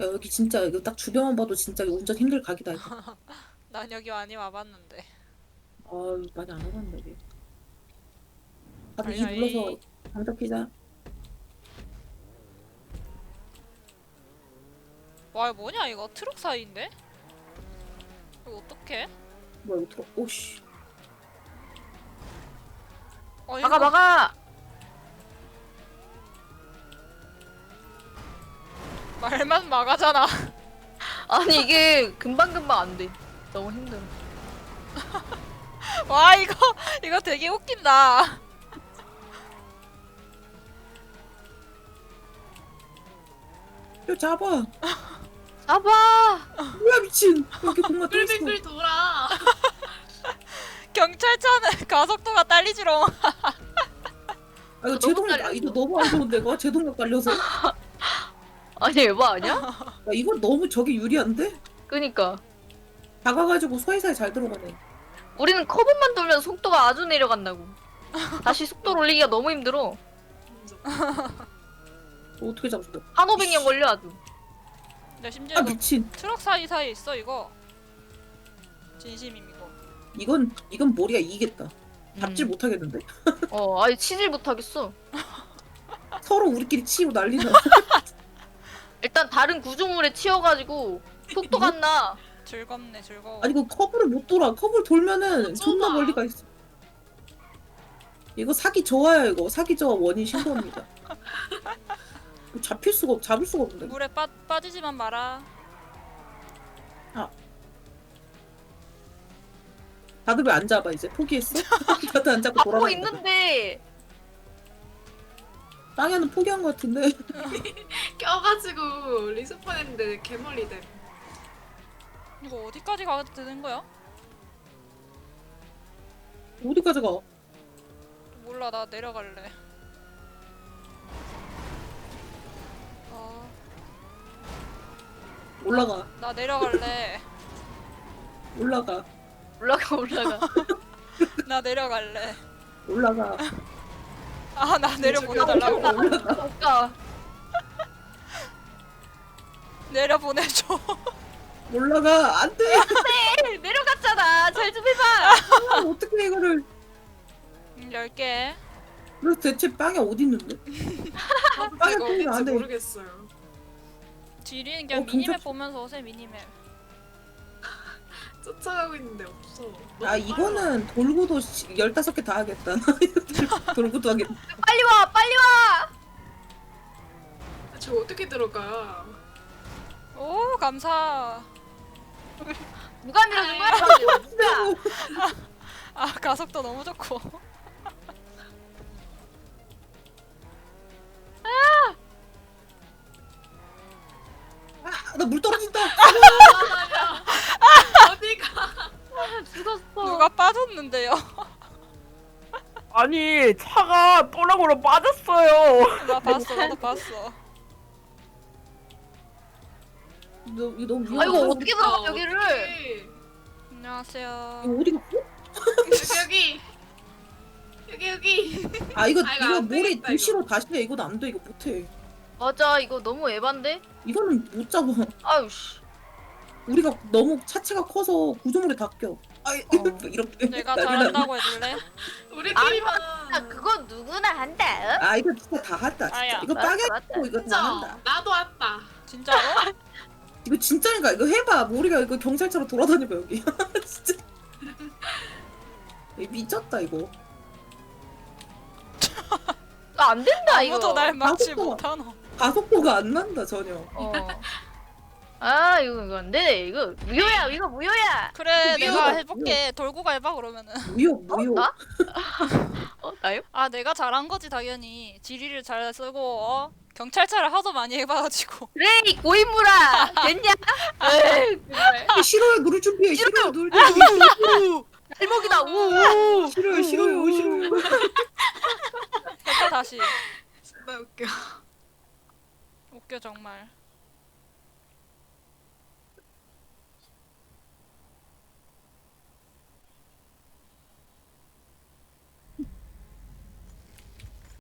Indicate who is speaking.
Speaker 1: 야, 여기 진짜 이거 딱 주변만 봐도 진짜 운전 힘들 각이다 이거.
Speaker 2: 난 여기 많이 와봤는데.
Speaker 1: 아, 많이 안 와봤네 여기. 다들 이
Speaker 2: 아이,
Speaker 1: 눌러서 장작 피자.
Speaker 2: 와, 이거 뭐냐, 이거? 트럭 사이인데? 이거 어떡해?
Speaker 1: 뭐야 이거 들어. 오씨.
Speaker 2: 이거
Speaker 3: 막아 막아.
Speaker 2: 말만 막아잖아.
Speaker 3: 아니 이게 금방금방 안 돼. 너무 힘들어.
Speaker 2: 와, 이거 되게 웃긴다.
Speaker 1: 야 잡아.
Speaker 3: 잡아.
Speaker 1: 뭐야 미친. 여기 공간 또 있어.
Speaker 4: 끌끌끌 돌아.
Speaker 2: 경찰차는 가속도가 딸리지롱.
Speaker 1: 아 이거
Speaker 3: 너무
Speaker 1: 제동력
Speaker 3: 딸렸어.
Speaker 1: 이거 너무 안 좋은데 이거 제동력 딸려서. 야
Speaker 3: 아니 에바 아니야?
Speaker 1: 이거 너무 저기 유리한데?
Speaker 3: 그니까
Speaker 1: 작아가지고 사이사이 잘 들어가네.
Speaker 3: 우리는 커브만 돌면 속도가 아주 내려간다고. 다시 속도를 올리기가 너무 힘들어.
Speaker 1: 어떻게 잡았어?
Speaker 3: 한 500년 걸려 아주.
Speaker 2: 나 심지어
Speaker 1: 아
Speaker 2: 이거
Speaker 1: 미친.
Speaker 2: 트럭 사이사이에 있어, 이거. 진심임, 이거.
Speaker 1: 이건 머리가 이기겠다. 잡질 못하겠는데?
Speaker 3: 아니 치질 못하겠어.
Speaker 1: 서로 우리끼리 치고 난리나.
Speaker 3: 일단 다른 구조물에 치여가지고 속도가 안 나.
Speaker 2: 즐겁네, 즐거워.
Speaker 1: 아니 이거 커브를 못 돌아. 커브를 돌면은
Speaker 4: 못
Speaker 1: 존나
Speaker 4: 좁아.
Speaker 1: 멀리 가 있어. 이거 사기 저하야 이거. 사기 저하 원인 신고합니다. 잡을 수가 없는데.
Speaker 2: 물에 빠지지만 마라.
Speaker 1: 다들 왜 안 잡아 이제? 포기했어? 다들 안 잡고
Speaker 3: 잡고
Speaker 1: 돌아다닌다.
Speaker 3: 있는데
Speaker 1: 땅에는 포기한 것 같은데.
Speaker 4: 껴가지고 리스폰했는데 개멀리 돼.
Speaker 2: 이거 어디까지 가도 되는 거야?
Speaker 1: 어디까지 가?
Speaker 2: 몰라, 나 내려갈래. 어,
Speaker 1: 올라가.
Speaker 2: 나 내려갈래.
Speaker 1: 올라가.
Speaker 3: 올라가.
Speaker 2: 나 내려갈래.
Speaker 1: 올라가.
Speaker 2: 아, 나 내려보내달라고.
Speaker 1: 올라가.
Speaker 3: 아까
Speaker 2: 내려보내줘.
Speaker 1: 올라가. 안 돼.
Speaker 3: 내려갔잖아. 잘 좀 해봐.
Speaker 1: 아, 어떻게 이거를.
Speaker 2: 10개.
Speaker 1: 그래서 대체 빵이 어디 있는데? 빵이
Speaker 4: 이거
Speaker 1: 포기가
Speaker 4: 어딘지
Speaker 1: 안 해.
Speaker 4: 모르겠어요.
Speaker 2: 지리는 그냥
Speaker 1: 경찰-
Speaker 2: 미니맵 보면서 오세요, 미니맵.
Speaker 4: 쫓아가고 있는데 없어.
Speaker 1: 아
Speaker 4: 너무
Speaker 1: 이거는 돌고도 15개 다 하겠다. 돌고도 하겠다.
Speaker 3: 빨리 와.
Speaker 4: 빨라. 저 어떻게 들어가?
Speaker 2: 오, 감사.
Speaker 3: 누가 밀어준 거야? 누가?
Speaker 2: 아, 가속도 너무 좋고.
Speaker 1: 아, 나 물 떨어진다.
Speaker 4: 어디가?
Speaker 3: 죽었어.
Speaker 2: 누가 빠졌는데요?
Speaker 5: 아니 차가 또랑으로 빠졌어요.
Speaker 2: 나 봤어, 나도 봤어.
Speaker 1: 이거 너무 위험해.
Speaker 3: 아이고 어떻게 들어가 여기를?
Speaker 4: 어떡해.
Speaker 2: 안녕하세요.
Speaker 1: 이거 어디 갔어?
Speaker 4: 여기.
Speaker 1: 아 이거
Speaker 4: 아, 이거
Speaker 1: 이거
Speaker 4: 안
Speaker 1: 모래
Speaker 4: 되겠다,
Speaker 1: 도시로 다시 해. 이건 안 돼. 이거 못해.
Speaker 3: 맞아 이거 너무 에반데?
Speaker 1: 이거는 못 잡아.
Speaker 3: 아유 씨.
Speaker 1: 우리가 너무 차체가 커서 구조물에 다 껴. 아 이렇게.
Speaker 2: 내가
Speaker 1: 난리
Speaker 2: 잘한다고 해줄래?
Speaker 4: 우리끼리만.
Speaker 3: 그건 누구나 한다.
Speaker 1: 나. 아 이거 진짜 다 한다. 진짜.
Speaker 2: 아야.
Speaker 1: 이거
Speaker 3: 맞다,
Speaker 1: 빵에
Speaker 3: 맞다.
Speaker 1: 있고 이거 다
Speaker 4: 진짜
Speaker 1: 한다.
Speaker 4: 나도 왔다.
Speaker 2: 진짜로?
Speaker 1: 이거 진짜니까 이거 해봐. 우리가 이거 경찰차로 돌아다니봐 여기. 진짜. 이거 미쳤다 이거.
Speaker 3: 안 된다 이거.
Speaker 2: 아무도 날 막지
Speaker 1: 가속도가-
Speaker 2: 못하노.
Speaker 1: 가속도가 안 난다 전혀.
Speaker 3: 아 이거 안 돼. 이거 무효야. 이거 무효야.
Speaker 2: 그래,
Speaker 1: 미워,
Speaker 2: 내가
Speaker 1: 미워.
Speaker 2: 해볼게. 돌고 해봐, 그러면은.
Speaker 1: 무효.
Speaker 3: 나? 나요?
Speaker 2: 아, 내가 잘한 거지, 당연히. 지리를 잘 쓰고, 경찰차를 하도 많이 해봐가지고.
Speaker 3: 그래 이 고인물아. 됐냐? 에이 정말.
Speaker 1: 싫어요. 누를 준비해. 싫어요. 누를 준비해.
Speaker 3: 발목이다. 우.
Speaker 1: 싫어요.
Speaker 2: 해봐, 다시.
Speaker 4: 정말 웃겨.
Speaker 2: 웃겨, 정말.